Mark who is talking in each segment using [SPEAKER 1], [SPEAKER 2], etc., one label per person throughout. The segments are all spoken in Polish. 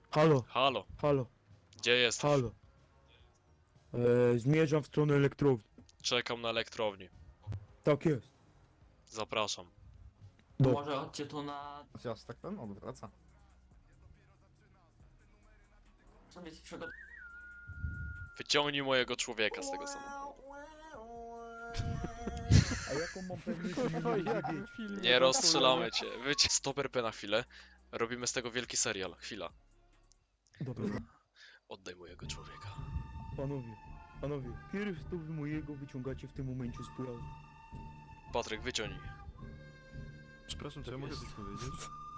[SPEAKER 1] Halo,
[SPEAKER 2] Halo,
[SPEAKER 1] halo,
[SPEAKER 2] gdzie jesteś?
[SPEAKER 1] halo. Zmierzam w stronę elektrowni.
[SPEAKER 2] Czekam na elektrowni.
[SPEAKER 1] Tak jest.
[SPEAKER 2] Zapraszam.
[SPEAKER 1] Dobrze.
[SPEAKER 3] Może chodźcie tu na...
[SPEAKER 4] Chociaż tak ten odwraca.
[SPEAKER 3] sobie przygotować.
[SPEAKER 2] Wyciągnij mojego człowieka z tego samochodu.
[SPEAKER 1] A jaką mam pewność, że mnie nie zabiecie?
[SPEAKER 2] Nie rozstrzelamy cię. Stop RP na chwilę. Robimy z tego wielki serial. Chwila.
[SPEAKER 1] Dobra,
[SPEAKER 2] Oddaj mojego człowieka.
[SPEAKER 1] panowie, pierw to wy mojego wyciągacie w tym momencie z pojazdu.
[SPEAKER 2] Patryk, wyciągnij.
[SPEAKER 5] Przepraszam, czy ja mogę coś powiedzieć?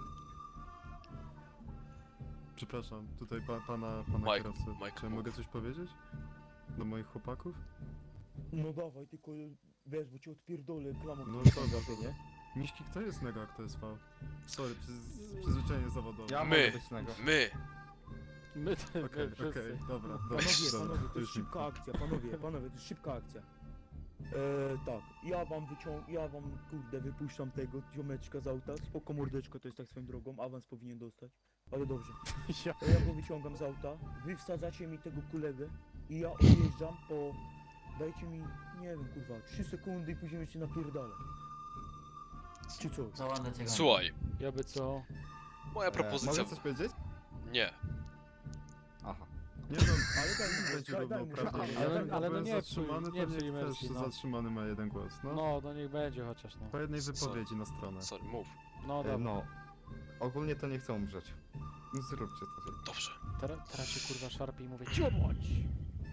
[SPEAKER 5] Przepraszam, tutaj pana
[SPEAKER 2] Mike,
[SPEAKER 5] kierowcę.
[SPEAKER 2] Mike,
[SPEAKER 5] Czy ja
[SPEAKER 2] mów.
[SPEAKER 5] mogę coś powiedzieć? Do moich chłopaków?
[SPEAKER 1] No dawaj, tylko wiesz, bo cię odpierdolę klamą.
[SPEAKER 5] No
[SPEAKER 1] No
[SPEAKER 5] dobra,
[SPEAKER 1] ty, nie?
[SPEAKER 5] Miśki, kto jest Nega, a kto jest V? Sorry, przyzwyczajenie zawodowe.
[SPEAKER 4] Ja
[SPEAKER 2] My.
[SPEAKER 4] mogę być nego.
[SPEAKER 2] My!
[SPEAKER 6] My
[SPEAKER 5] Okej,
[SPEAKER 6] wszyscy.
[SPEAKER 5] dobra,
[SPEAKER 1] Panowie, to jest
[SPEAKER 5] mi-
[SPEAKER 1] szybka akcja, panowie, to jest szybka akcja. Tak, ja wam kurde wypuszczam tego ziomeczka z auta, spoko mordeczko, to jest tak swoją drogą, awans powinien dostać, ale dobrze.
[SPEAKER 6] Ja...
[SPEAKER 1] Ja go wyciągam z auta, wy wsadzacie mi tego kolegę i ja odjeżdżam po... Dajcie mi, nie wiem kurwa, 3 sekundy i później się napierdalę. Czy co?
[SPEAKER 3] Za ładne cię
[SPEAKER 2] Słuchaj,
[SPEAKER 6] Ja by co?
[SPEAKER 2] moja propozycja...
[SPEAKER 4] Mogę coś powiedzieć?
[SPEAKER 2] Nie.
[SPEAKER 4] Aha.
[SPEAKER 5] Nie wiem,
[SPEAKER 1] Ale daj mi
[SPEAKER 5] będzie
[SPEAKER 1] daj mu
[SPEAKER 5] równouprawnienie.
[SPEAKER 1] szansę.
[SPEAKER 5] Ja
[SPEAKER 6] Ale no
[SPEAKER 5] byłem
[SPEAKER 6] nie
[SPEAKER 5] zatrzymany,
[SPEAKER 6] psuj, nie
[SPEAKER 5] to
[SPEAKER 6] psuj
[SPEAKER 5] niech
[SPEAKER 6] imersji,
[SPEAKER 5] też
[SPEAKER 6] no.
[SPEAKER 5] zatrzymany ma jeden głos, no.
[SPEAKER 6] No niech będzie chociaż, no.
[SPEAKER 5] Po jednej
[SPEAKER 2] Sorry.
[SPEAKER 5] wypowiedzi na stronę.
[SPEAKER 2] Sorry, mów.
[SPEAKER 6] No dobra.
[SPEAKER 4] No. Ogólnie to nie chcę umrzeć. No zróbcie to.
[SPEAKER 2] Dobrze.
[SPEAKER 6] Teraz się kurwa szarpie i mówię, cicho bądź!